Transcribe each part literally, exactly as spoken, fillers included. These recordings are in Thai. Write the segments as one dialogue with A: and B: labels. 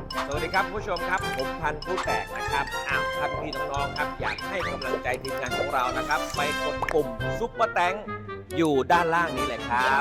A: สวัสดีครับผู้ชมครับผมพันธุ์ผู้แตกนะครับอ้าวท่านพี่น้องๆครับอยากให้กำลังใจทีมงานของเรานะครับไปกดปุ่มซุปเปอร์แตงอยู่ด้านล่างนี้เลยครับ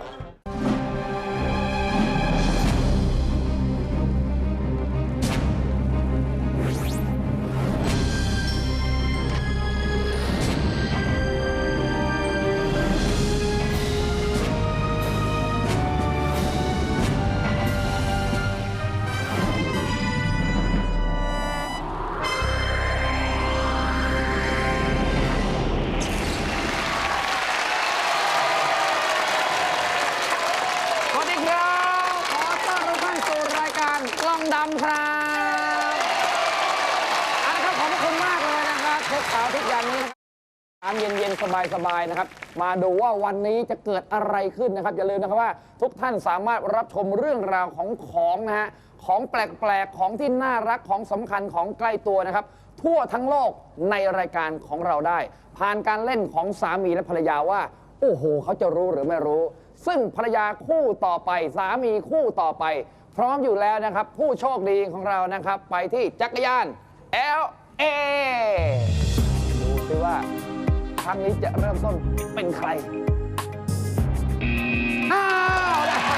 B: สวัสดีครับ ขอต้อนรับท่านสู่รายการกล้องดำครับอันนะครับขอบคุณมากเลยนะครับทุกเช้าทุกอย่างนี้น้ำเย็นๆสบายๆนะครับมาดูว่าวันนี้จะเกิดอะไรขึ้นนะครับอย่าลืมนะครับว่าทุกท่านสามารถรับชมเรื่องราวของของนะฮะของแปลกๆของที่น่ารักของสำคัญของใกล้ตัวนะครับทั่วทั้งโลกในรายการของเราได้ ผ่านการเล่นของสามีและภรรยาว่าโอ้โหเขาจะรู้หรือไม่รู้ซึ่งภรรยาคู่ต่อไปสามีคู่ต่อไปพร้อมอยู่แล้วนะครับผู้โชคดีของเรานะครับไปที่จักรยาน แอล เอ ดูซิว่าครั้งนี้จะเริ่มต้นเป็นใครอ้าว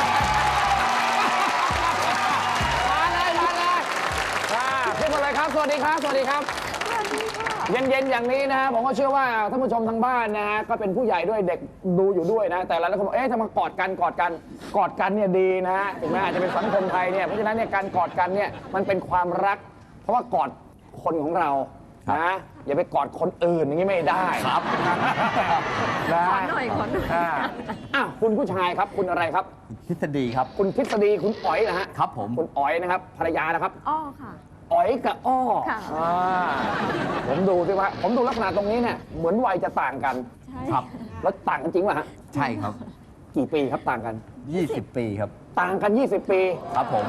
B: มาเลยมาเลยขึ้นมาเลยครับสวัสดีครับสวัสดีครับเย็นๆอย่างนี้นะฮะผมก็เชื่อว่าท่านผู้ชมทางบ้านนะฮะก็เป็นผู้ใหญ่ด้วยเด็กดูอยู่ด้วยนะแต่หลายคนบอกเอ๊ะทำไมกอดกันกอดกันกอดกันเนี่ยดีนะฮะถึงแม้อาจจะเป็นสังคมไทยเนี่ยเพราะฉะนั้นเนี่ยการกอดกันเนี่ยมันเป็นความรักเพราะว่ากอดคนของเรานะอย่าไปกอดคนอื่นอย่างนี้ไม่ได้ครับนะขอหน่อยขอหน่อยอ่ะคุณผู้ชายครับคุณอะไรครับ
C: ทฤษฎีครับ
B: คุณทฤษฎีคุณอ๋อยนะฮะ
C: ครับผม
B: คุณอ๋อยนะครับภรรยานะครับ
D: อ้อค่ะ
B: อ๋อยกับอ้อ
D: ค่ะ
B: ผมดูสิว่าผมดูลักษณะตรงนี้เนี่ยเหมือนวัยจะต่างกัน
C: ครับ
B: แล้วต่างกันจริงป่ะฮะ
C: ใช่ครับ
B: กี่ปีครับต่างกัน
C: ยี่สิบ ปีครับ
B: ต่างกันยี่สิบปี
C: ครับผม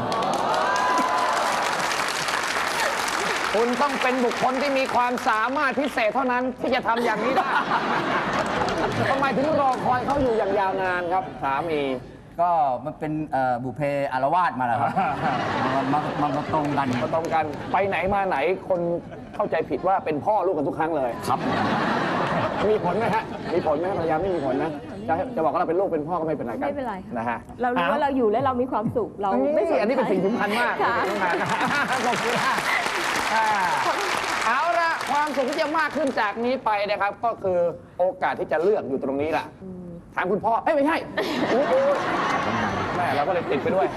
B: คุณต้องเป็นบุคคลที่มีความสามารถพิเศษเท่านั้นที่จะทำอย่างนี้ได้ทำไมถึงรอคอยเขาอยู่อย่างยาวนานครับสามี
C: ก็มันเป็นบุพเพอารวาสมาแล้วครับมามามาตรงกัน
B: มาตรงกันไปไหนมาไหนคนเข้าใจผิดว่าเป็นพ่อลูกกันทุกครั้งเลย
C: ครับ
B: มีผลไหมฮะมีผลไหมภรรยาไม่มีผลนะจะจะบอกว่าเราเป็นลูกเป็นพ่อก็ไม่เป็นไรกัน
D: ไม่เป็นไร
B: นะฮะ
D: เรารู้ว่าเราอยู่และเรามีความสุขเราไม่สนใจ
B: อันนี้เป็นสิ่งสำคัญมากขอบคุณค่ะเอาละความสุขที่จะมากขึ้นจากนี้ไปนะครับก็คือโอกาสที่จะเลือกอยู่ตรงนี้แหละถามคุณพ่อเอ้ยไม่ใช่แม่เราก็เลยติดไปด้วย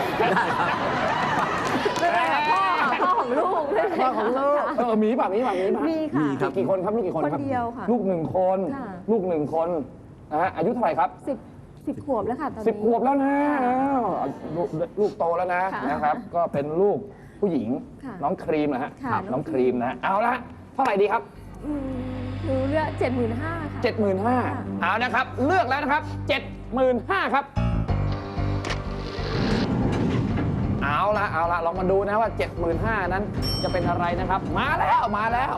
D: ได้ครับพ่อพ่อของลูก
B: พ่อของลูกเออมีป่ะมีป่ะมีป่ะ
D: มีค่ะ
B: มีกี่คนครับลูกกี่คนครับ
D: คนเดียวค่ะ
B: ลูกหนึ่งคนลูกหนึ่งคนนะฮะอายุเท่าไหร่ครับ
D: สิบสิบขวบแล้วค่ะตอนนี้
B: สิบขวบแล้วนะลูกโตแล้วนะนะครับก็เป็นลูกผู้หญิงน้องครีมนะฮะน้องครีมนะเอาละเท่าไหร่ดีครับ
D: หนูเลือกเจ็ดหมื่นห้าค่ะ
B: เจ็ดหมื่นห้าเอานะครับเลือกแล้วนะครับเจ็ดหมื่นห้าครับเอาละเอาละลองมาดูนะว่าเจ็ดหมื่นห้านั้นจะเป็นอะไรนะครับมาแล้วมาแล้ว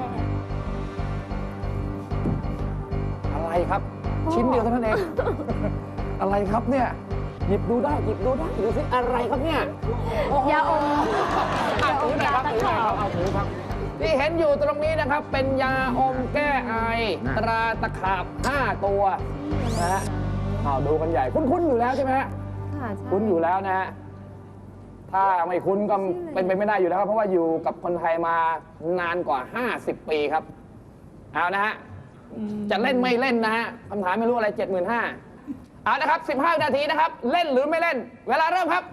B: อะไรครับชิ้นเดียวเท่านั้นเองอะไรครับเนี่ยหยิบดูได้หยิบดูได้ดูสิอะไรครับเนี่ย
D: ยาอม
B: เอาถือหน่อยครับถือหน่อยครับเอาถือครับที่เห็นอยู่ตรงนี้นะครับเป็นยาอมแก้ไอตราตะขาบห้าตัวนะฮะเอาดูกันใหญ่คุ้นๆอยู่แล้วใช่ไหมฮะคุ้นอยู่แล้วนะฮะถ้าไม่คุ้นก็เป็นไปไม่ได้อยู่แล้วครับเพราะว่าอยู่กับคนไทยมานานกว่าห้าสิบปีครับเอานะฮะจะเล่นไม่เล่นนะฮะคำถามไม่รู้อะไร เจ็ดหมื่นห้าพัน เอานะครับสิบห้านาทีนะครับเล่นหรือไม่เล่นเวลาเริ่มครับ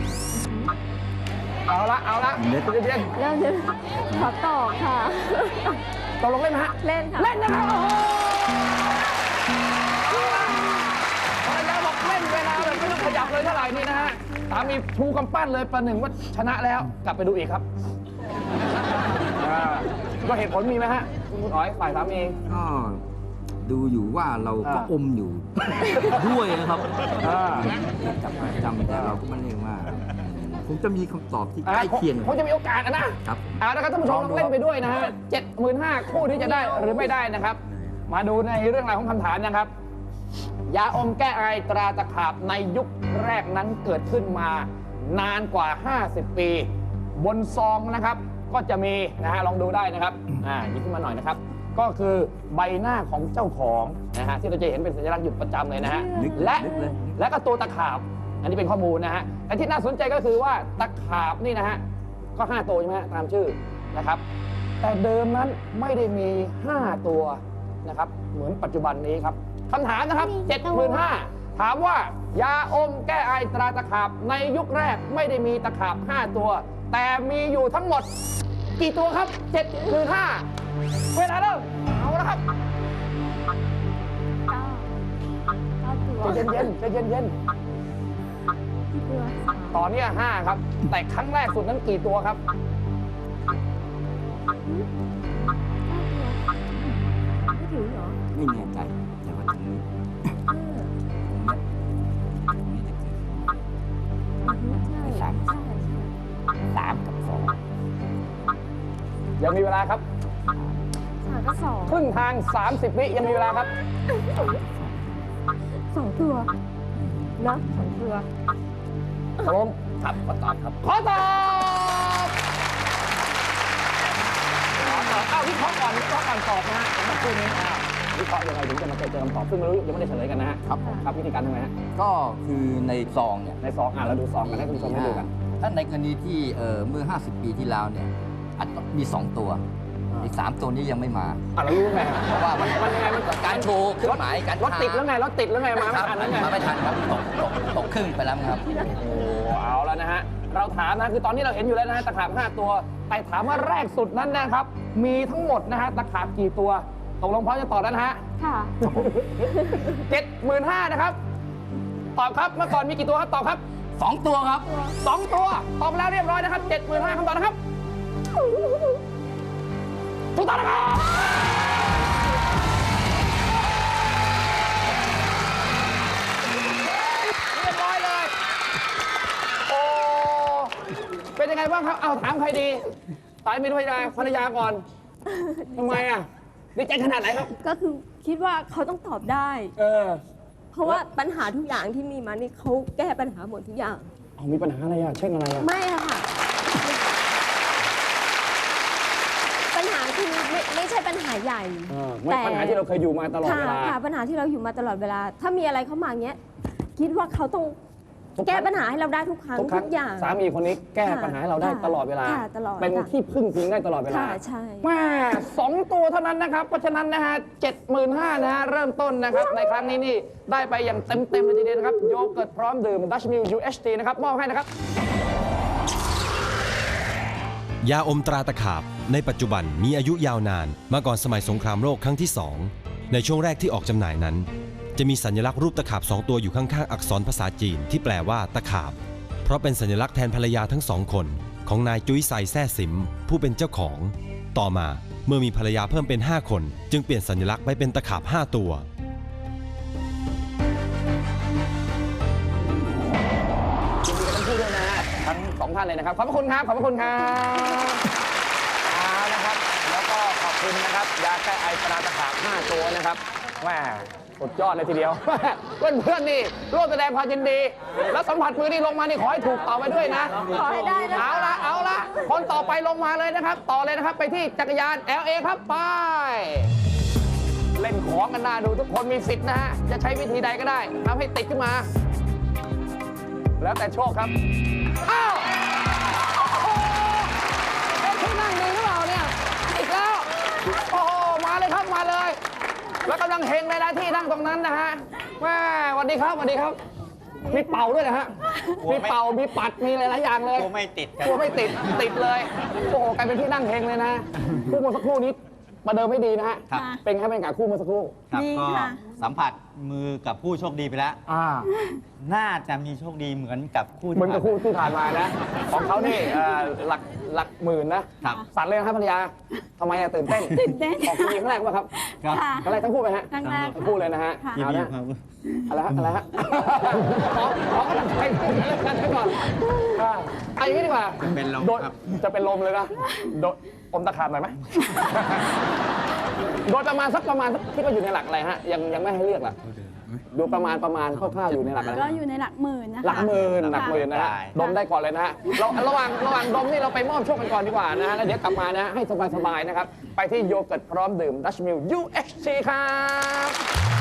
B: เอาละเอาละ
D: เริ่มเริ่มขอต่อค่ะ
B: ตกลงเล่นไหมฮะ
D: เล่นค่ะ
B: เล่นนะครับโอ้โหภรรยาบอกเล่นเวลาแบบไม่ต้องขยับเลยเท่าไหร่นี่นะฮะสามีชูกำปั้นเลยประหนึ่งว่าชนะแล้วกลับไปดูอีกครับก็เหตุผลมีไหมฮะคุณอ๋อยฝ่ายสามี
C: ก็ดูอยู่ว่าเราก็อมอยู่ด้วยนะครับจำจำแต่เราก็ไม่เรียกว่าคงจะมีคำตอบที่ใกล้เคียง
B: คงจะมีโอกาสนะครับเอาละครับท่านผู้ชมลองเล่นไปด้วยนะฮะเจ็ดหมื่นห้าคู่ที่จะได้หรือไม่ได้นะครับมาดูในเรื่องราวของคำถามนะครับยาอมแก้ไอตราตะขาบในยุคแรกนั้นเกิดขึ้นมานานกว่า ห้าสิบ ปี บนซองนะครับก็จะมีนะฮะลองดูได้นะครับอ่าหยิบขึ้นมาหน่อยนะครับก็คือใบหน้าของเจ้าของนะฮะที่เราจะเห็นเป็นสัญลักษณ์อยู่ประจำเลยนะฮะ
C: นึก
B: และ
C: นึกเลย
B: และก็ตัวตะขาบอันนี้เป็นข้อมูลนะฮะแต่ที่น่าสนใจก็คือว่าตะขาบนี่นะฮะก็ห้าตัวใช่ไหมฮะตามชื่อนะครับแต่เดิมนั้นไม่ได้มีห้าตัวนะครับเหมือนปัจจุบันนี้ครับคำถามนะครับ เจ็ดหมื่นห้าพัน ถามว่ายาอมแก้ไอตราตะขาบในยุคแรกไม่ได้มีตะขาบห้าตัว แต่มีอยู่ทั้งหมดกี่ตัวครับ เจ็ดหมื่นห้าพัน เวลาเริ่มเอาละครับ
D: เก้าเก้าตัว
B: ใจเย็นๆใจเย็น
D: กี่ตัวสาม
B: ๆตอนนี้ห้าครับ แต่ครั้งแรกสุดนั้นกี่ตัวครับ
D: เก้าตัวไม่ถึงเหรอ
C: ไม่แน่ใจแต่ว่าตรงนี้
D: ห้า
C: ตรงนี้จะเกิด
D: อือฮึใช่
C: สาม
D: ใช่ใช่
C: สามกับสอง
B: ยังมีเวลาครับ
D: สามก็สอง
B: ครึ่งทาง สามสิบ วิยังมีเวลาครับ
D: สองตัวเนาะสองตัว
B: ตกลง
C: ครับขอตอบครับ
B: ขอตอบขอตอบอ้าววิเคราะห์ก่อนวิเคราะห์ก่อนตอบนะฮะผมมาพูดนี้อ้าววิเคราะห์ยังไงถึงจะมาเจอเจอคำตอบซึ่งไม่รู้ยังไม่ได้เฉลยกันนะฮะ
C: ครับผม
B: ครับวิธีการทำไงฮะ
C: ก็คือในซองเนี่ย
B: ในซองอ่ะเราดูซองกันให้คุณผู้ชมได้ดูกัน
C: ถ้าในกรณีที่เอ่อเมื่อ ห้าสิบ ปีที่แล้วเนี่ยอาจจะมีสองตัว อีกสามตัวนี้ยังไม่มา
B: อ่ะเรารู้ไงฮะ
C: เพราะว่ามัน
B: มันยังไงมัน
C: การโชว์เครื่องหมายการ
B: รถติดแล้วไงรถติดแล้วไงมา
C: ค
B: ไม่
C: รับ
B: ทันแล้วไง
C: มาไม่ทันครับตกตกตกครึ่งไปแล้วครับ
B: โอ้เอาแล้วนะฮะ เราถามนะคือตอนนี้เราเห็นอยู่แล้วนะฮะตะขาบห้าตัว แต่ถามว่าแรกสุดนั้นนะครับ มีทั้งหมดนะฮะตะขาบกี่ตัวตกลงพร้อมจะตอบแล้วนะฮะ
D: ค่ะ
B: เจ็ดหมื่นห้านะครับ ตอบครับ เมื่อก่อนมีกี่ตัวครับ ตอบครับ
C: สองตัวครับ
B: สองตัว ตอบแล้วเรียบร้อยนะครับเจ็ดหมื่นห้าคำตอบนะครับถูกต้องนะครับเรียบร้อยเลย โอ้ เป็นยังไงบ้างครับ เอาถามใครดีตายไม่ด้วยนะภรรยาก่อน ทำไมอ่ะดีใจขนาดไหนครับ
D: ก็คือคิดว่าเขาต้องตอบได้
B: เออ
D: เพราะว่าปัญหาทุกอย่างที่มีมานี่เขาแก้ปัญหาหมดทุกอย่าง
B: เอามีปัญหาอะไรอ่ะ เช่นอะไรอ่ะ
D: ไม่อะค่ะ ปัญหาคือไม่ไม่ใช่ปัญหาใหญ่
B: เออไม่ปัญหาที่เราเคยอยู่มาตลอด
D: ค่ะ
B: เวลา
D: ค่ะปัญหาที่เราอยู่มาตลอดเวลา ถ้ามีอะไรเข้ามาเงี้ย คิดว่าเขาต้อง
B: ทุกครั้ง
D: แก้ปัญหาให้เราได้ทุกครั้ง
B: ทุกครั้
D: ทุ
B: ง
D: กอย่าง
B: สามีคนนี้แก้
D: ค่ะ
B: ปัญหาให้เราได้
D: ค่ะ
B: ตลอดเวลา
D: ค่ะตลอด
B: เป็น
D: ค่ะ
B: ที่พึ่งพิงได้ตลอดเวลา
D: ค่ะใช่
B: แม่สองตัวเท่านั้นนะครับ เพราะฉะนั้นนะฮะเจ็ดหมื่นห้านะฮะเริ่มต้นนะครับ ในครั้งนี้นี่ได้ไปอย่างเต็มเต็มๆเลยทีเดียวนะครับ โยเกิร์ตพร้อมดื่ม Dutch Mill ยู เอช ที นะครับ มอบให้นะครับ
E: ยาอมตราตะขาบในปัจจุบันมีอายุยาวนานมาก่อนสมัยสงครามโลกครั้งที่สองในช่วงแรกที่ออกจำหน่ายนั้น จะมีสัญลักษณ์รูปตะขาบสองตัวอยู่ข้างๆอักษรภาษาจีนที่แปลว่าตะขาบเพราะเป็นสัญลักษณ์แทนภรรยาทั้งสองคนของนายจุ้ยไซแซ่สิมผู้เป็นเจ้าของต่อมาเมื่อมีภรรยาเพิ่มเป็นห้าคนจึงเปลี่ยนสัญลักษณ์ไปเป็นตะขาบห้าตัว
B: ยินดีกับทั้งคู่ด้วยนะฮะทั้งสองท่านเลยนะครับ ขอบพระคุณครับ ขอบพระคุณครับเอานะครับ แล้วก็ขอบคุณนะครับ ยาแก้ไอตราตะขาบห้าตัวนะครับแม่สุดยอดเลยทีเดียว เพื่อนๆนี่ร่วมแสดงความยินดี แล้วสัมผัสมือนี่ลงมานี่ขอให้ถูกต่อไปด้วยนะ
D: ขอให้ได้นะคะ
B: เอาละเอาละคนต่อไปลงมาเลยนะครับ ต่อเลยนะครับไปที่จักรยาน แอล เอ ครับไป เล่นของกันหน้าดูทุกคนมีสิทธิ์นะฮะ จะใช้วิธีใดก็ได้ทำให้ติดขึ้นมา แล้วแต่โชคครับ อ้าวโอ้โหเอ๊ะที่นั่งดีหรือเปล่าเนี่ย อีกแล้ว โอ้โห มาเลยครับ มาเลย แล้วกำลังเฮงเลยนะที่นั่งตรงนั้นนะฮะแม่สวัสดีครับสวัสดีครับ มีเป่าด้วยนะฮะ มีเป่า มีปัด มีหลายๆอย่างเลย
F: กลัวไม่ติดครับ
B: กลัวไม่ติด ติดเลย โอ้โห กลายเป็นที่นั่งเฮงเลยนะคู่เมื่อสักครู่นี้ประเดิมไม่ดีนะฮะ
F: ครับ
B: เป็นไงเป็นกับคู่เมื่อสักครู่
F: ครับ
D: ดี
F: ก็
D: ค่ะ
F: สัมผัสมือกับผู้โชคดีไปแล้ว
B: อ่า
F: น่าจะมีโชคดีเหมือนกับคู่ที่
B: เหมือนกับคู่
F: ผ่า
B: ที่ผ่านมานะ ของเขานี่เอ่อหลักหลักหมื่นนะครับ สั่นเลยนะครับภรรยาทำไมอะตื่นเต้น
D: ตื่นเต้น
B: ออกทีครั้งแรกป่ะครับ
F: ครับ
D: ค่ะ
B: ครั้งแรกทั้งคู่ไหมฮะ
D: ครั้งแรก
B: ทั้งคู่เลยนะฮะ
D: ค่ะ
F: ยิน
B: เอา
F: ดี
B: นะครับ อะไรฮะอะไรฮะขอขอกำลังใจกันไว้ก่อนอ่าเอาอย่างนี้ดีกว่า
F: เป็นลม
B: โดน
F: ครับ
B: จะเป็นลมเลยนะโดนอมตะขาบหน่อยไหมโดนประมาณสักประมาณสักที่ว่าอยู่ในหลักอะไรฮะยังยังไม่ให้เลือกล่ะดูประมาณประมาณคร่าวๆอยู่ในหลักอะไร
G: ก็อยู่ในหลักหมื่นนะคะ
B: หลักหมื่นหลักหมื่นนะฮะดมได้ก่อนเลยนะฮะเราระหว่างระหว่างดมนี่เราไปมอบโชคกันก่อนดีกว่านะฮะแล้วเดี๋ยวกลับมานะฮะให้สบายๆนะครับไปที่โยเกิร์ตพร้อมดื่ม Dutch Mill ยู เอช ซี ครับ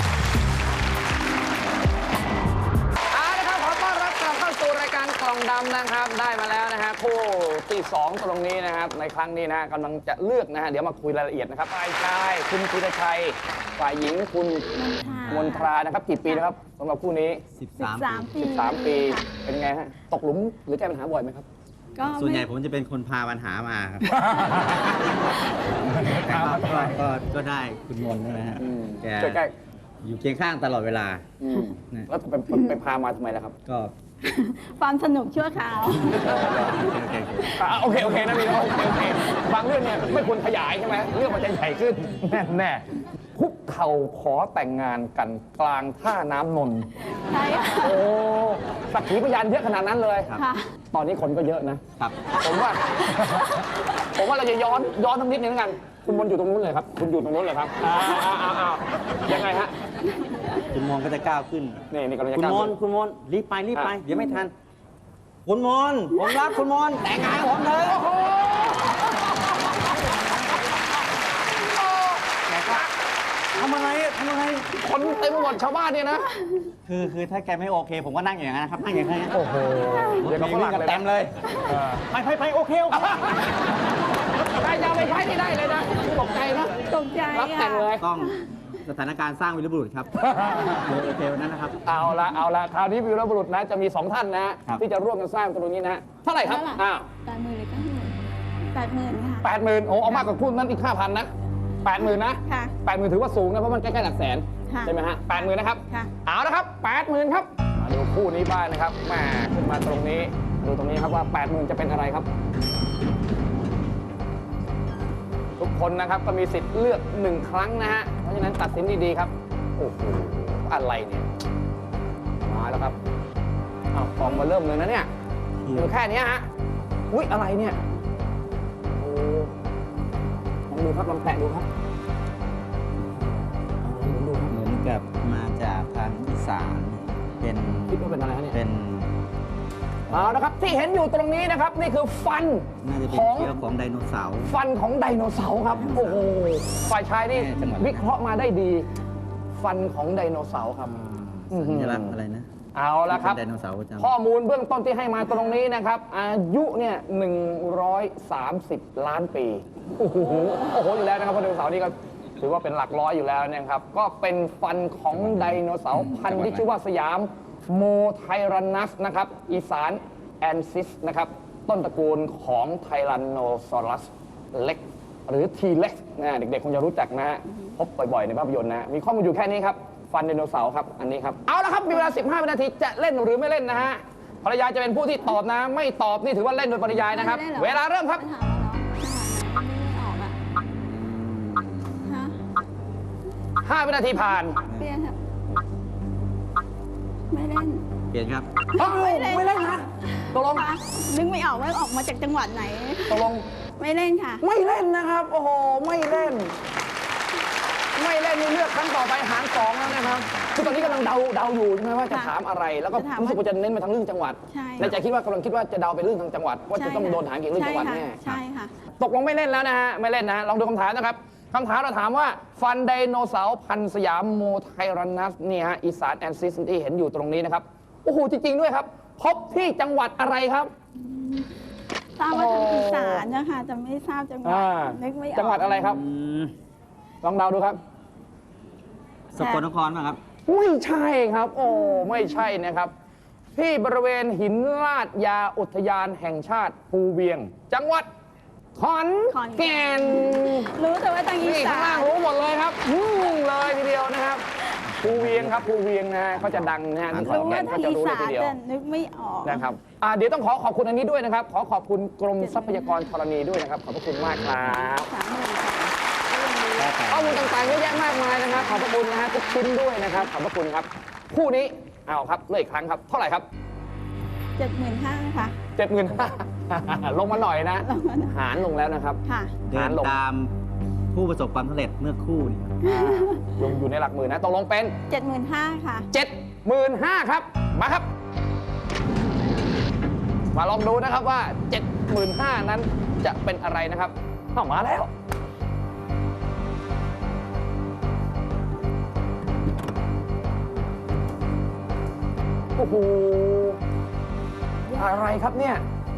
B: เอาละครับขอต้อนรับกลับเข้าสู่รายการกล่องดำนะครับได้มาแล้วนะฮะคู่ที่สองตรงนี้นะครับในครั้งนี้นะฮะกำลังจะเลือกนะฮะเดี๋ยวมาคุยรายละเอียดนะครับฝ่ายชายคุณธีรชัยฝ่ายหญิงคุณมนทรานะครับกี่ปีนะครับสำหรับคู่นี้
F: สิบ
G: สิบ
F: สาม
G: สามปี
B: สิบสามปี
G: ค่ะ
B: เป็นไงฮะ ตกหลุมหรือแก้ปัญหาบ่อยไหมครับ
G: ก็
F: ส่วนใหญ่
G: ไม่
F: ผมจะเป็นคนพาปัญหามาครับก็ก็ก็ได้คุณมนต์นะฮะ
B: อืม
F: แก
B: ใกล้
F: อยู่เคียงข้างตลอดเวลา
B: ๆอืม
F: นะ
B: แล้วไปไปไปพามาทำไมล่ะครับ
F: ก็
G: ความสนุกชั่วคราว
B: อ่ะโอเค โอเคนะพี่โอเคโอเคบางเรื่องเนี่ยไม่ควรขยายใช่ไหมเรื่องมันจะใหญ่ขึ้น แน่แน่คุกเข่าขอแต่งงานกันกลางท่าน้ำนนท์
G: ใช่ค่ะ
B: โอ้สักขีพยานเยอะขนาดนั้นเลย
G: ค่ะ
B: ตอนนี้คนก็เยอะนะ
F: ครับ
B: ผมว่า ผมว่าเราจะย้อนย้อนทั้งนิดนึงแล้วกัน คุณมนต์อยู่ตรงนู้นเลยครับ คุณอยู่ตรงนู้นเลยครับอ้าวอ้าวอ้าวอ้าวยังไงฮะ
F: คุณมนต์ก็จะก้าวขึ้น
B: นี่นี่กำลังจะ
F: คุณ
B: ก้าว
F: มนต์คุณมนต์รีบไปรีบไป เดี๋ยวไม่ทัน คุณมนต์ผมรักคุณมนต์แต่งงานกับผมเถอะทำอะไรอะทำอะไร
B: คนเต็มไปหมดชาวบ้านเนี่ยนะ
F: คือคือถ้าแกไม่โอเค ผมก็นั่งอย่างนั้นนะครับ นั่งอย่างนี้น
B: โอ้โหเดี๋ยวกับฝรั่งเลย
F: เต็มเลย
B: เออ
F: ไปไปไปโอเคโอเค
B: ใครจะเอาไปใช้ที่ได้เลยนะตกใจนะ
G: ตกใจ
B: รับแต่
G: ค่ะ
B: งเลย
F: ต้องสถานการณ์สร้างวีรบุรุษครับโอเควันนั้นนะครับ
B: เอาละเอาละคราวนี้วีรบุรุษนะจะมีสองท่านนะ
F: ครับ
B: ที่จะร่วมกันสร้างตรงนี้นะเท่าไหร่ครับ
G: เท่าไหร่
B: อ้าว
G: แปดหมื่นหรือเก้าหมื่นแปดหมื่นค่ะ
B: แปดหมื่นโอ้เอามากกว่าคุณนั้นอีกห้าพันนะแปดหมื่นนะ
G: ค่ะ
B: แปดหมื่นถือว่าสูงนะเพราะมันใกล้ๆหลักแสน
G: ค่ะ
B: ใช่ไหมฮะแปดหมื่นนะครับ
G: ค่ะ
B: เอาละครับแปดหมื่นครับมาดูคู่นี้บ้างนะครับแหมขึ้นมาตรงนี้ดูตรงนี้ครับว่าแปดหมื่นจะเป็นอะไรครับ ทุกคนนะครับก็มีสิทธิ์เลือกหนึ่งครั้งนะฮะเพราะฉะนั้นตัดสินดีๆครับโอ้โหอะไรเนี่ยมาแล้วครับเอากองมาเริ่มเลยนะเนี่ยอยู่แค่เนี้ยฮะอุ๊ยอะไรเนี่ยโอ้ลองดูครับลองแตะดูครับลองดูครับ
F: เหมือนกับมาจากทางอีสานเป็น
B: คิดว่าเป็นอะไรฮะเนี่ย
F: เป็น
B: เอาละครับที่เห็นอยู่ตรงนี้นะครับนี่คือฟัน
F: น่าจะเป็น
B: ของ
F: เชื้อของไดโนเสาร์
B: ฟันของไดโนเสาร์ครับโอ้โหฝ่ายชายนี่
F: แม่จังหวัด
B: วิเคราะห์มาได้ดี ฟันของไดโนเสาร์ครับ
F: สัญลักษณ์อะไรนะ
B: เอาละครับ
F: เป็นไดโนเสาร์ประจำ
B: ข้อมูลเบื้องต้นที่ให้มาตรงนี้นะครับ อายุเนี่ยหนึ่งร้อยสามสิบล้านปีโอ้โหโอ้โหอยู่แล้วนะครับเพราะไดโนเสาร์นี่ก็ถือว่าเป็นหลักร้อยอยู่แล้วนะครับ ก็เป็นฟันของไดโนเสาร์พันธุ์ที่ชื่อว่าสยามโมไทรันนัสนะครับอีสานแอนซิสนะครับต้นตระกูลของไทรันโนซอรัสเล็กหรือทีเล็กนะเด็กๆคงจะรู้จักนะฮะพบบ่อยๆในภาพยนตร์นะมีข้อมูลอยู่แค่นี้ครับ ฟันไดโนเสาร์ครับ อันนี้ครับ เอาละครับ มีเวลา สิบห้า วินาที จะเล่นหรือไม่เล่นนะฮะ ภรรยาจะเป็นผู้ที่ตอบนะ ไม่ตอบนี่ถือว่าเล่นโดยปริยายนะครับ
G: ไม่ได้หรอ
B: เวลาเริ่มครับ
G: ถามมาแล้วไม่ออกอะฮะ
B: ห้า วินาทีผ่าน
G: เปลี่ยนครับไม่เล่น
F: เปลี่ยนครับ
B: เอ้าไม่เล่นนะตกลง
G: ค่ะนึกไม่ออกว่าออกมาจากจังหวัดไหน
B: ตกลง
G: ไม่เล่นค่ะ
B: ไม่เล่นนะครับ โอ้โห ไม่เล่น ไม่เล่นนี่เลือกครั้งต่อไปหารสองแล้วนะครับคือตอนนี้กำลังเดาเดาอยู่ใช่ไหมว่าจะ
G: ค่ะ
B: ถามอะไร แล้วก็
G: จะถาม
B: รู้สึกว่าจะเน้นไปทางเรื่องจังหวัด
G: ใช่
B: ในใจคิดว่ากำลังคิดว่าจะเดาไปเรื่องทางจังหวัด ว่าจะต้องโดนหางเกี่ยวกับเรื่องจังหวัดแน่
G: ใช่ค่ะ
B: ตกลงไม่เล่นแล้วนะฮะ ไม่เล่นนะฮะลองดูคำถามนะครับคำถามเราถามว่า ฟันไดโนเสาร์พันธุ์สยามโมไทรันนัสนี่ฮะอีสานแอนซิสที่เห็นอยู่ตรงนี้นะครับ โอ้โห จริง ๆ ด้วยครับ พบที่จังหวัดอะไรครับ
G: ทราบว่าทางอีสานนะคะแต่ไม่ทราบจังหวัด
B: อ่า
G: นึกไม่ออก
B: จังหวัดอะไรครับ
F: อืม
B: ลองเดาดูครับ
F: สกลนครป่ะครับ
B: ไม่ใช่ครับ โอ้ไม่ใช่นะครับ ที่บริเวณหินลาดยาอุทยานแห่งชาติภูเวียง จังหวัดขอนแก่น
G: รู้แต่ว่าทางอี
B: นี่
G: สา
B: ข้างล่าง
G: น
B: รู้หมดเลยครับอืมเลยทีเดียวนะครับภูเวียงครับภูเวียงนะฮะก็จะดังนะฮะที่ขอน
G: รู้
B: แก่
G: ว่าน
B: ก็
G: ทาง
B: จะ
G: อี
B: รู้เล
G: สาย น
B: ทีเดียว
G: แต่นึกไม่ออก
B: นะครับอ่าเดี๋ยวต้องขอขอบคุณอันนี้ด้วยนะครับ ขอขอบคุณกรมทรัพยากรธรณีด้วยนะครับ ขอบพระคุณมากครับ
G: สามหมื่นค่ะ
B: ข้อมูลต่างๆเยอะแยะมากมายนะครับ ขอบพระคุณนะฮะทุกชิ้นด้วยนะครับ ขอบพระคุณครับ คู่นี้เอาครับเลือกอีกครั้งครับ เท่าไหร่ครับ
G: เจ็ดหมื่นห้าค่ะ
B: เจ็ดหมื่น ลงมาหน่อยนะ
G: ลงมาหน่อย
B: หารลงแล้วนะครับ
G: ค่ะ
F: เดินตามผู้ประสบความสำเร็จเมื่อครู่นี่ครับ
B: ลงอยู่ในหลักหมื่นนะตกลงเป็น
G: เจ็ดหมื่นห้าค่ะ
B: เจ็ดหมื่นห้าครับ มาครับ มาลองดูนะครับว่า เจ็ดหมื่นห้านั้นจะเป็นอะไรนะครับเข้ามาแล้ว โอ้โห อะไรครับเนี่ย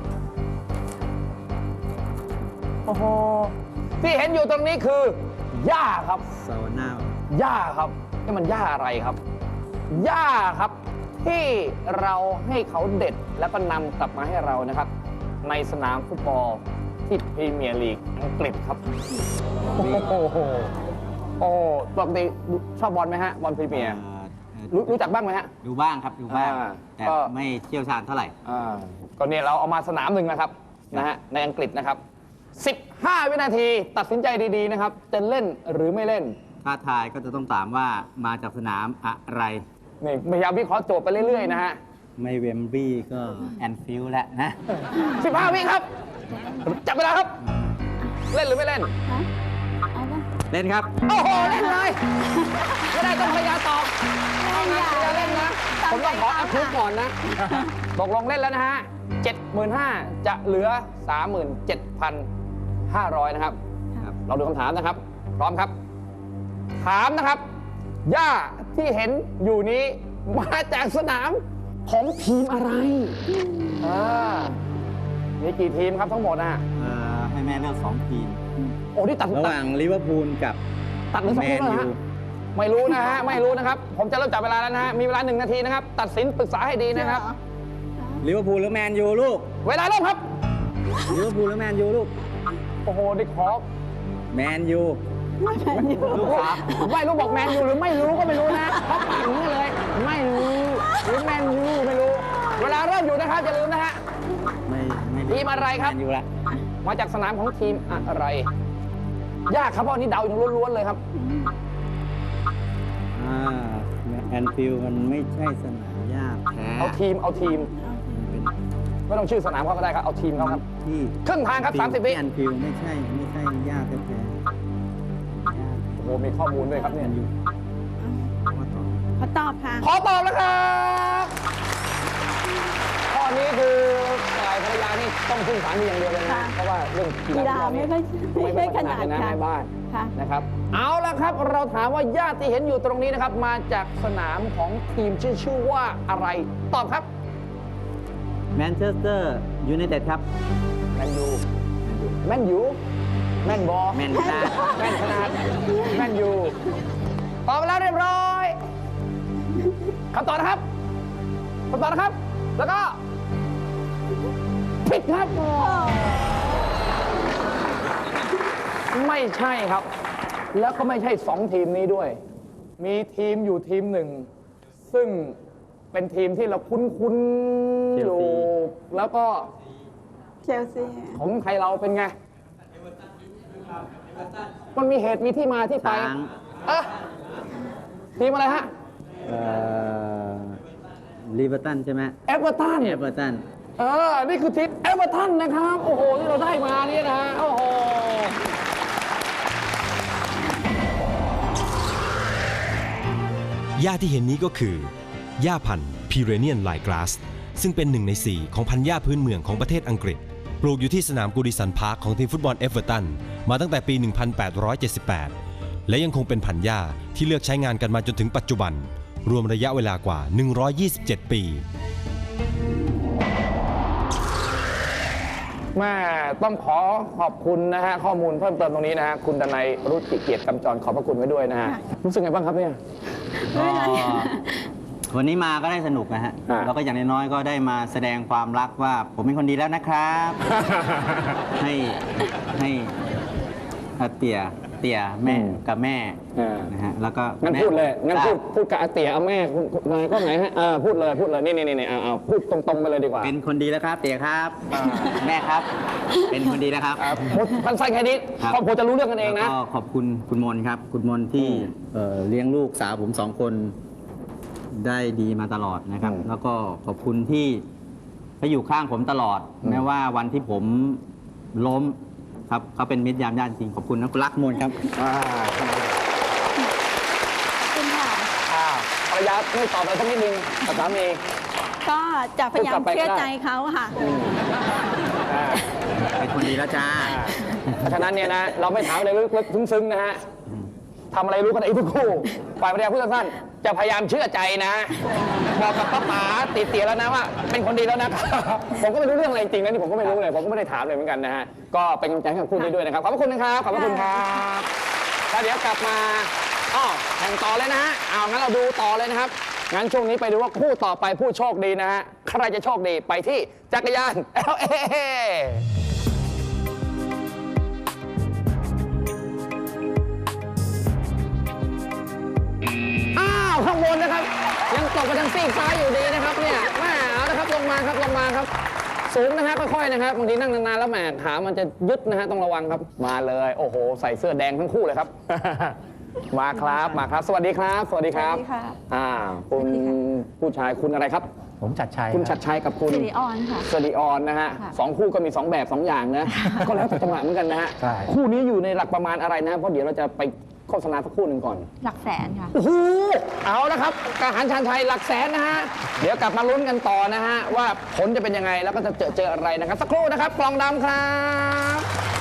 B: โอ้โห ที่เห็นอยู่ตรงนี้คือหญ้าครับ
F: ซาวน่า
B: หญ้าครับนี่มันหญ้าอะไรครับหญ้าครับ ที่เราให้เขาเด็ดแล้วก็นำกลับมาให้เรานะครับ ในสนามฟุตบอลที่พรีเมียร์ลีกอังกฤษครับ โอ้โหโอ้ปกติชอบบอลไหมฮะ บอลพรีเมียร์รู้รู้จักบ้างไหมฮะ
F: ดูบ้างครับดูบ้าง
B: อ่า
F: แต่
B: ก็
F: ไม่เชี่ยวชาญเท่าไหร่
B: อ่าก็เนี่ยเราเอามาสนามหนึ่งนะครับนะฮะในอังกฤษนะครับ สิบห้า วินาทีตัดสินใจดีๆนะครับ จะเล่นหรือไม่เล่น
F: ถ้าทายก็จะต้องถามว่ามาจากสนามอะไร
B: นี่พยายามวิเคราะห์โจทย์ไปเรื่อยๆนะฮะ
F: ไม่เวมบลีย์ก็แอนฟิลด์แหละนะ
B: สิบห้า วิครับ จับเวลาครับ เล่นหรือไม่เล่น
G: ฮะ เอาป่ะ
F: เล่นครับ
B: โอ้โห เล่นเลย ไม่ได้ต้องภรรยาตอบ
G: เล่นอย่า
B: ภรรยาเล่นนะ ผมต้องขออัพทุกก่อนนะ ตกลงเล่นแล้วนะฮะ เจ็ดหมื่นห้าพัน จะเหลือ สามหมื่นเจ็ดพันห้าร้อย นะครับ
F: ครับ
B: เราดูคำถามนะครับ พร้อมครับ ถามนะครับหญ้าที่เห็นอยู่นี้มาจากสนามของทีมอะไรอ่ามีกี่ทีมครับทั้งหมดอ่ะ
F: เอ่อให้แม่เลือกสองทีม
B: โอ้ที่ตัด
F: ระหว่างลิเวอร์พูลกับ
B: ตัดหรือสอง
F: แม
B: ทีม
F: น
B: แล้ว
F: ยู
B: นะฮะไม่รู้นะฮะ ไม่รู้นะครับ ผมจะเริ่มจับเวลาแล้วนะฮะ มีเวลาหนึ่งนาทีนะครับ ตัดสินปรึกษาให้ดีนะครับ
F: ลิเวอร์พูลหรือแมนยูลูก
B: เวลาเริ่มครับ
F: ลิเวอร์พูลหรือแมนยูลูก
B: โอ้โหดิขอ
F: แมนยูลูกครับ
B: ไม่รู้บอกแมนยูหรือไม่รู้ก็ไม่รู้นะเพราะปากนี้เลย ไม่รู้หรือแมนยูไม่รู้ เวลาเริ่มอยู่นะครับอย่าลืมนะฮะ
F: ไม่ไม่
B: ทีมอะไรครับ
F: แมนยูละ
B: มาจากสนามของทีมอะไร ยากครับเพราะอันนี้เดาอย่างล้วนๆเลยครับ
F: อ่าแอนฟิลด์มันไม่ใช่สนามหญ้าแท้
B: เอาทีมเอาทีม
F: เป็น
B: ไม่ต้องชื่อสนามเขาก็ได้ครับ เอาทีมเขาครับ
F: ที่
B: ครึ่งทางครับสามสิบวิ
F: แอนฟิลด์ไม่ใช่ไม่ใช่หญ้าแท้ๆ
B: โอ้โหมีข้อมูลด้วยครับเนี่ย
F: แมนยูว่าต่อ
G: ขอตอบค่ะ
B: ขอตอบแล้วครับ ข้อนี้คือฝ่ายภรรยานี่ต้องพึ่งสามีอย่างเดียวเลยนะ
G: ค่ะ
B: เพราะว่าเรื่องกี
G: กีฬา
B: ฬา
G: ไม่ค่อย
B: ไม่
G: ไม่
B: ค่
G: ค่
B: อ
G: อย ย
B: ถ
G: ถ
B: นั
G: นั
B: ด
G: ด
B: เลยนะ
G: ค่ะ
B: แม่บ้าน
G: ค่ะ
B: นะครับ เอาละครับเราถามว่าญาติที่เห็นอยู่ตรงนี้นะครับ มาจากสนามของทีมชื่อชื่อว่าอะไร ตอบครับ
F: แมนเชสเตอร์ยูไนเต็ดครับ
B: แมนยูแมนยูแมนบอ
F: แมนนา
B: แมนขนาดแมนยูตอบไปแล้วเรียบร้อยคำตอบนะครับคำตอบนะครับ แล้วก็ผิดครับ ไม่ใช่ครับ แล้วก็ไม่ใช่สองทีมนี้ด้วย มีทีมอยู่ทีมหนึ่ง ซึ่งเป็นทีมที่เราคุ้นๆอยู่ แล้วก็
G: เชลซี
B: ของไทยเราเป็นไง มันมีเหตุมีที่มาที่ไป
F: ช้าง
B: เอะทีมอะไรฮะ
F: เอ่อลิเวอร์ตันใช่ไหม
B: เอเวอร์ตัน
F: เอเวอร์ตัน
B: เออ นี่คือทีมเอเวอร์ตันนะครับ โอ้โห ที่เราได้มาเนี่ยนะ โอ้โห
E: หญ้าที่เห็นนี้ก็คือหญ้าพันธุ์พีเรเนียนไลกราสซึ่งเป็นหนึ่งในสี่ของพันธุ์หญ้าพื้นเมืองของประเทศอังกฤษ ปลูกอยู่ที่สนามกูดิสันพาร์คของทีมฟุตบอลเอเวอร์ตันมาตั้งแต่ปี หนึ่งพันแปดร้อยเจ็ดสิบแปด และยังคงเป็นพันธุ์หญ้าที่เลือกใช้งานกันมาจนถึงปัจจุบัน รวมระยะเวลากว่า หนึ่งร้อยยี่สิบเจ็ด ปี
B: แม่ต้องขอขอบคุณนะฮะ ข้อมูลเพิ่มเติมตรงนี้นะฮะ คุณดนัยรุจิเกียรติกำจรขอบพระคุณไว้ด้วยนะฮะ รู้สึกไงบ้างครับเนี่ย
G: ไม่เป็นไร
F: วันนี้มาก็ได้สนุกนะฮะ
B: อ่า
F: แล้วก็อย่างน้อยๆก็ได้มาแสดงความรักว่าผมเป็นคนดีแล้วนะครับ ให้ให้อาเตี่ยเตี่ยแม่กับแม่
B: อ่า
F: นะฮะแล้วก็
B: งั้น
F: แม่
B: พูดเลย งั้นพูด
F: ทราบ
B: พูดกับอาเตี๋ยเอาแม่นายก็ไหนฮะเออพูดเลย พูดเลย นี่นี่นี่เอาเอาพูดตรงๆไปเลยดีกว่า
F: เป็นคนดีแล้วครับเตี่ยครับ
B: อ่า
F: แม่ครับ เป็นคนดีแล้วครับ
B: อ่าพูดสั้นๆแค่นี้
F: ครับ
B: ครอบครัวจะรู้เรื่องกันเองนะ
F: แล้วก็ขอบคุณคุณมนครับ คุณมนที่
B: อืม
F: เอ่อเลี้ยงลูกสาวผมสองคนได้ดีมาตลอดนะครับ
B: อืม
F: แล้วก็ขอบคุณที่เขาอยู่ข้างผมตลอด
B: อืม
F: แม้ว่าวันที่ผมล้มครับเขาเป็นมิตรยามญาติจริงขอบคุณนะคุณรักมนครับ
B: อ่า
G: คุณค่ะ
B: อ่าภรรยาไม่ตอบอะไรสักนิดนึงกับสามี
G: ก็จะพยายาม
B: พูดกลับไปก็ได้
G: เชื่อใจเขาค่ะ
B: อ่า
F: เป็นคนดีแล้วจ้า
B: เพราะฉะนั้นเนี่ยนะเราไม่ถามอะไรลึกๆซึ้งๆนะฮะทำอะไรรู้กันเองทุกคู่ฝ่ายภรรยาผู้สั้นๆจะพยายามเชื่อใจนะบอกกับป้าป๋าติดเตียแล้วนะว่าเป็นคนดีแล้วนะ ผมก็ไม่รู้เรื่องอะไรจริงนะนี่ผมก็ไม่รู้เลยผมก็ไม่ได้ถามเลยเหมือนกันนะฮะก็เป็นกำลังใจให้กับคู่นี้ด้วยนะครับขอบพระคุณนะครับขอบพระคุณครับแล้วเดี๋ยวกลับมาอ้อแข่งต่อเลยนะฮะเอางั้นเราดูต่อเลยนะครับงั้นช่วงนี้ไปดูว่าคู่ต่อไปผู้โชคดีนะฮะใครจะโชคดีไปที่จักรยาน แอล เอ อ้าวข้างบนนะครับยังตกไปทางซีกซ้ายอยู่ดีนะครับเนี่ยแม่เอาละครับลงมาครับลงมาครับสูงนะฮะค่อยๆนะครับบางทีนั่งนานๆแล้วแหมขามันจะยึดนะฮะต้องระวังครับมาเลยโอ้โหใส่เสื้อแดงทั้งคู่เลยครับ มาครับมาครับ สวัสดีครับ สวัสดีครับ
G: สวัสดีค่ะ
B: อ่าคุณผู้ชายคุณอะไรครับ
H: ผมชัดชัย
B: คุณชัดชัยกับคุณ
G: สิริออนค่ะ
B: สิริออนนะฮะ
G: ค่ะ
B: สองคู่ก็มีสองแบบสองอย่างนะก็แล้วแต่จังหวะเหมือนกันนะฮะ
H: ใช่
B: คู่นี้อยู่ในหลักประมาณอะไรนะเพราะเดี๋ยวเราจะไปโฆษณาสักครู่หนึ่งก่อน
G: หลักแสนค่ะ
B: โอ้โหเอาละครับกาหารชาญชัยหลักแสนนะฮะ เดี๋ยวกลับมาลุ้นกันต่อนะฮะ ว่าผลจะเป็นยังไงแล้วก็จะเจอเจออะไรนะครับ สักครู่นะครับ กล่องดำครับ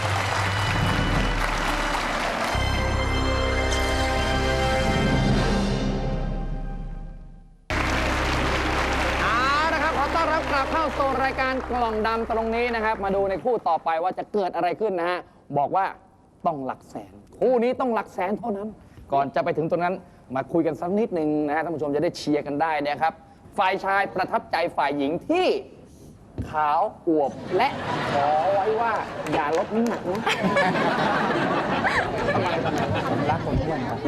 B: เอาละครับขอต้อนรับกลับเข้าสู่รายการกล่องดำตรงนี้นะครับ มาดูในคู่ต่อไปว่าจะเกิดอะไรขึ้นนะฮะ บอกว่าต้องหลักแสน คู่นี้ต้องหลักแสนเท่านั้น ก่อนจะไปถึงตรงนั้นมาคุยกันสักนิดหนึ่งนะฮะท่านผู้ชมจะได้เชียร์กันได้นะครับ ฝ่ายชายประทับใจฝ่ายหญิงที่ขาวอวบและขอไว้ว่าอย่าลดน้ำหนักนะ ทำไมทำไม
H: ผมรักคนอ้วนครับ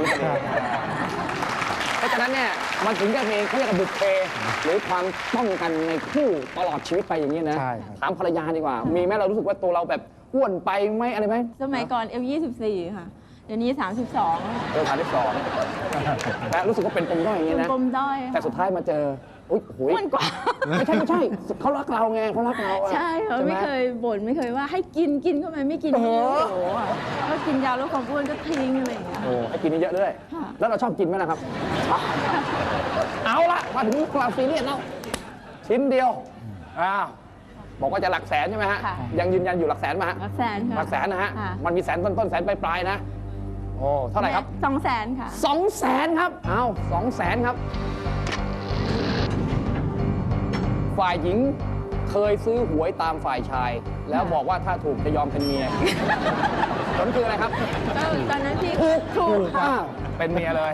B: เพราะฉะนั้นเนี่ยมันถึงจะมีเขาเรียกว่าบุพเพหรือความป้องกันในคู่ตลอดชีวิตไปอย่างนี้นะ
H: ใช่ครับ
B: ถามภรรยาดีกว่า มีไหมเรารู้สึกว่าตัวเราแบบอ้วนไปไหมอะไรไหม
G: สมัยก่อนเอลยี่สิบสี่ค่ะ เดี๋ยวนี้สามสิบสอง
B: เออถามที่สองและรู้สึกว่าเป็นปมด้อยอย่างนี้นะ
G: ปมด้อย
B: แต่สุดท้ายมาเจออุ้ยโอ้ย
G: อ้วนกว่า
B: ไม่ใช่ไม่ใช่เขารักเราไงเขารักเราอะ
G: ใช่ค่ะ
B: ห
G: ไม่เคยบ่นไม่เคยว่าให้กินกินเข้าไปไม่กิน
B: เออ
G: โอ้โหค่ะก็กินยาลดความอ้วนก็ทิ้งอะไรอย่างเงี้ย
B: โอ้ให้กินเยอะๆด้วย
G: ค่ะ
B: แล้วเราชอบกินไหมล่ะครับชอบเอาละมาถึงเราซีเรียสแล้วชิ้นเดียวอ้าวบอกว่าจะหลักแสนใช่ไหมฮะ
G: ค่ะ
B: ยังยืนยันอยู่หลักแสนไหมฮะ
G: หลักแสนค่ะ
B: หลักแสนนะฮะ
G: ค่
B: มันมีแสนต้นๆแสนปลายๆนะโอ้เท่าไหร่ครับ
G: สองแสนค่ะ
B: สองแสนครับเอาสองแสนครับ ฝ่ายหญิงเคยซื้อหวยตามฝ่ายชาย แล้วบอกว่าถ้าถูกจะยอมเป็นเมีย ผลคืออะไรครับ
G: ก็ตอนนั้นพี่
B: ถูก
G: ถูกค่ะ
B: อ้าวเป็นเมียเลย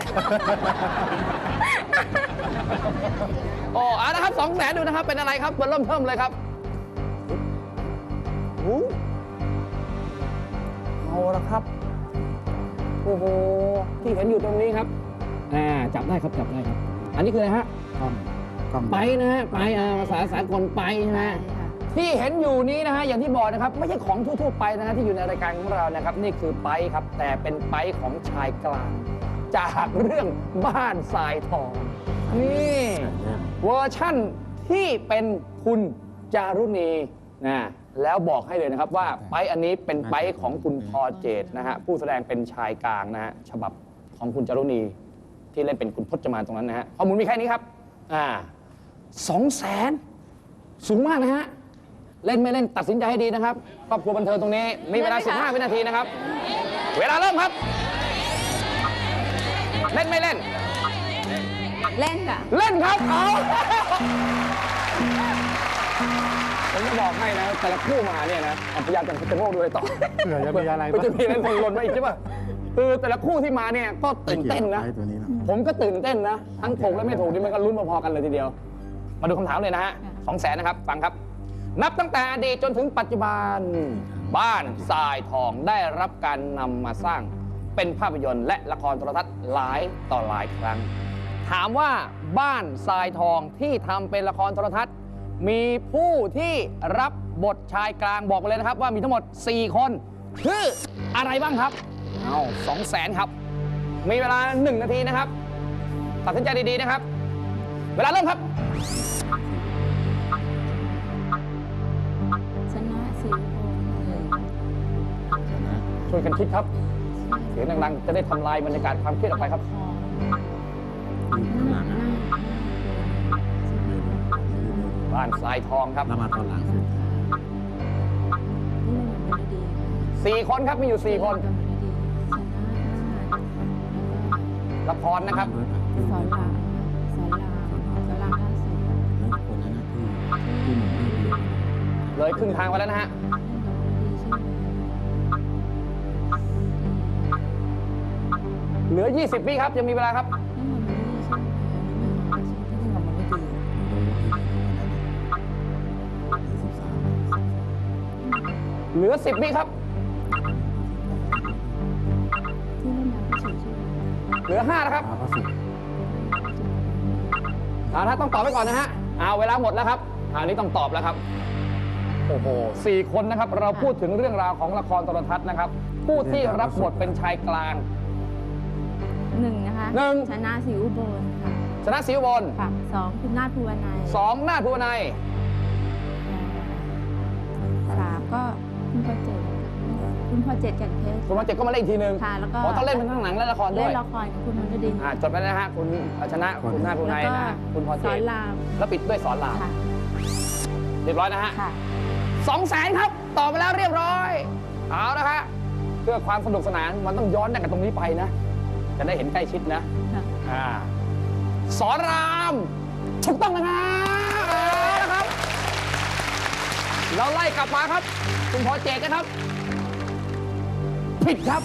B: โอ้เอาละครับสองแสนดูนะครับ เป็นอะไรครับเริ่มเพิ่มเลยครับโอ้เอาละครับ โอ้โห ที่เห็นอยู่ตรงนี้ครับอ่าจับได้ครับ จับได้ครับ อันนี้คืออะไรฮะ
H: กล้องกล้อง
B: ไปนะฮะ ไปอ่าภาษาสากลไปนะฮะ ที่เห็นอยู่นี้นะฮะ อย่างที่บอกนะครับ ไม่ใช่ของทั่วๆไปนะฮะที่อยู่ในรายการของเรานะครับ นี่คือไปครับ แต่เป็นไปของชายกลาง จากเรื่องบ้านทรายทอง นี่เวอร์ชั่นที่เป็นคุณจารุณีนะแล้วบอกให้เลยนะครับว่าไปอันนี้เป็นไปของคุณพอเจตนะฮะผู้แสดงเป็นชายกลางนะฮะฉบับของคุณจารุณีที่เล่นเป็นคุณพจมานตรงนั้นนะฮะข้อมูลมีแค่นี้ครับอ่าสองแสนสูงมากนะฮะเล่นไม่เล่นตัดสินใจให้ดีนะครับครอบครัวบันเทิงตรงนี้มีเวลา
G: เล่นไหมคะ
B: สิบห้า วินาทีนะครับ เวลาเริ่มครับ เล่นไม่เล่น
G: เล่นค่ะ
B: เล่นครับเอาผมจะบอกให้นะ แต่ละคู่มาเนี่ยนะเอาพยายามจะจะโมกดูเลยต่อ
H: เผื่อจะมีอะไร
B: มัน
H: บ้าง
B: จะมีอะไรหล่นมาอีกใช่ป่ะคือแต่ละคู่ที่มาเนี่ยก็ตื่นเต้นนะ
H: ไอ้ตัวนี้นะ
B: ผมก็ตื่นเต้นนะ ทั้งถูกและไม่ถูกนี่มันก็ลุ้นพอๆกันเลยทีเดียว มาดูคำถามเลยนะฮะสองแสนนะครับ ฟังครับ นับตั้งแต่อดีตจนถึงปัจจุบัน บ้านทรายทองได้รับการนำมาสร้างเป็นภาพยนตร์และละครโทรทัศน์หลายต่อหลายครั้ง ถามว่าบ้านทรายทองที่ทำเป็นละครโทรทัศน์ มีผู้ที่รับบทชายกลางบอกมาเลยนะครับ ว่ามีทั้งหมด สี่ คนคืออะไรบ้างครับ เอาสองแสนครับ มีเวลา หนึ่ง นาทีนะครับ ตัดสินใจดี ๆ นะครับ เวลาเริ่มครับ
G: ชนะสีโพ
B: ช่วยกันคิดครับ เสียงดังๆ จะได้ทำลายบรรยากาศความเครียดออกไปครับ บ้านทรายทองครับมาตอนหลังสี่คนครับ มีอยู่สี่คน ละครนะครับ
G: สอนรามสอนรามสอนรามล่าสุด
B: เลยครึ่งทางไปแล้วนะฮะ เหลือ ยี่สิบ วิครับ ยังมีเวลาครับ เหลือ สิบ วิครับ เหลือ ห้า นะครับเอาถ้าต้องตอบไปก่อนนะฮะเอาเวลาหมดแล้วครับอันนี้ต้องตอบแล้วครับ โอ้โหสี่คนนะครับ เราพูดถึงเรื่องราวของละครโทรทัศน์นะครับ ผู้ที่รับบทเป็นชายกลาง
G: หนึ่งนะคะ
B: หนึ่ง
G: ชนะศรีอุบลค่ะ
B: ชนะศรีอุบล
G: ค่ะสองคุณนาถภูวนัย
B: สองนาถภูวนัย
G: สามก็คุณพ่อเจ็ดคุณพ่อเจ็ดแก่นเพชร
B: คุณมาเจ็ดก็มาเล่นอีกทีหนึ่ง
G: ค่ะแล้วก็
B: เพราะต้องเล่นเป็นทั้งหนังและละครด้
G: เล่
B: วย
G: นละครกับคุณมนต์ดิน
B: อ่าจดไปนะฮะคุณชนะคุณนาถภูวนัยนะฮะคุณพร
G: ส
B: เจ
G: อน
B: ต
G: ราม
B: แล้วปิดด้วยสอนราม
G: ค่ะ
B: เรียบร้อยนะฮะ
G: ค่ะ
B: สองแสนครับตอบไปแล้วเรียบร้อยเอาละฮะเพื่อความสนุกสนานมันต้องย้อนจากตรงนี้ไปนะ จะได้เห็นใกล้ชิดนะ
G: ค่ะ
B: อ่าสอนรามถูกต้องนะครับเอาละครับ เราไล่กลับมาครับ คุณพอเจตนะครับ ผิดครับ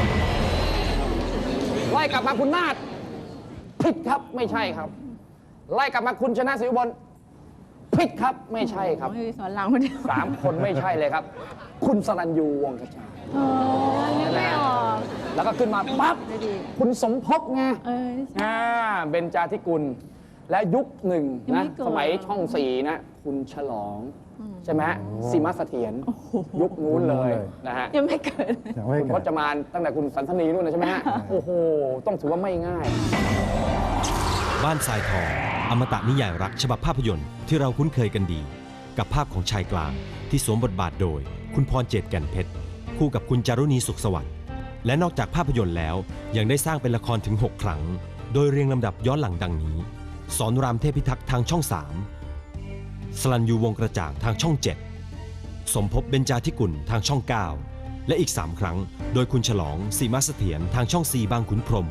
B: ไล่กลับมาคุณนาฏผิดครับไม่ใช่ครับ ไล่กลับมาคุณชนะศรีอุบลผิดครับไม่ใช่ครับ
G: โอ้ยสอนรามคนเดียว
B: สามคนไม่ใช่เลยครับ คุณสรัญยูวงศ์กระจาย
G: โอ้ยนึกไม่ออก
B: แล้วก็ขึ้นมาปั๊บ
G: ได้ดี
B: คุณสมภพไง
G: เอ้ย
B: อ่าเบญจาธิกุลและยุคหนึ่ง
G: ยัง
B: นะ
G: ไม่เกิด
B: สมัยช่องสี่นะคุณฉลอง
G: อืม
B: ใช่ไหมซีมาเสถียร
G: โอ้โห
B: ยุคนู้นเลยนะฮะ
G: ยังไม่เกิด
H: ยังไม่
B: คุณพ
H: เกิด
B: จมานตั้งแต่คุณสันสนีนู่นนะใช่ไหมฮะโอ้โห ต้องถือว่าไม่ง่าย
E: บ้านทรายทองอมตะนิยายรักฉบับภาพยนตร์ที่เราคุ้นเคยกันดี กับภาพของชายกลางที่สวมบทบาทโดย คุณพรเจตแก่นเพชรคู่กับคุณจารุณีสุขสวัสดิ์และนอกจากภาพยนตร์แล้วยังได้สร้างเป็นละครถึงหกครั้ง โดยเรียงลำดับย้อนหลังดังนี้สอนรามเทพิทักษ์ทางช่องสามสลันยูวงกระจ่างทางช่องเจ็ดสมภพเบญจาธิกุลทางช่องเก้าและอีกสามครั้งโดยคุณฉลองสีมาเสถียรทางช่องสี่บางขุนพรหม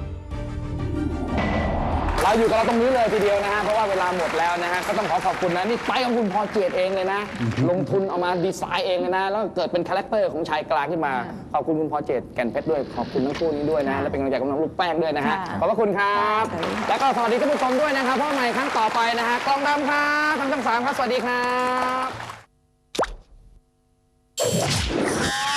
B: เราอยู่กับเราตรงนี้เลยทีเดียวนะฮะเพราะว่าเวลาหมดแล้วนะฮะก็ต้องขอขอบคุณนะนี่ไปของคุณพอเจตเองเลยนะ ลงทุนเอามาดีไซน์เองเลยนะแล้วเกิดเป็นคาแรคเตอร์ของชายกลางขึ้นมาขอบคุณคุณพอเจตแก่นเพชรด้วยขอบคุณทั้งคู่นี้ด้วยนะและเป็นกำลังใจกับน้องลูกแป้งด้วยนะฮะ
G: ค่ะ
B: ขอบพระคุณครับ
G: ค่ะ
B: แล้วก็สวัสดีท่านผู้ชมด้วยนะครับเพราะใหม่ครั้งต่อไปนะฮะกล้องดำครับทางช่องสามครับสวัสดีครับ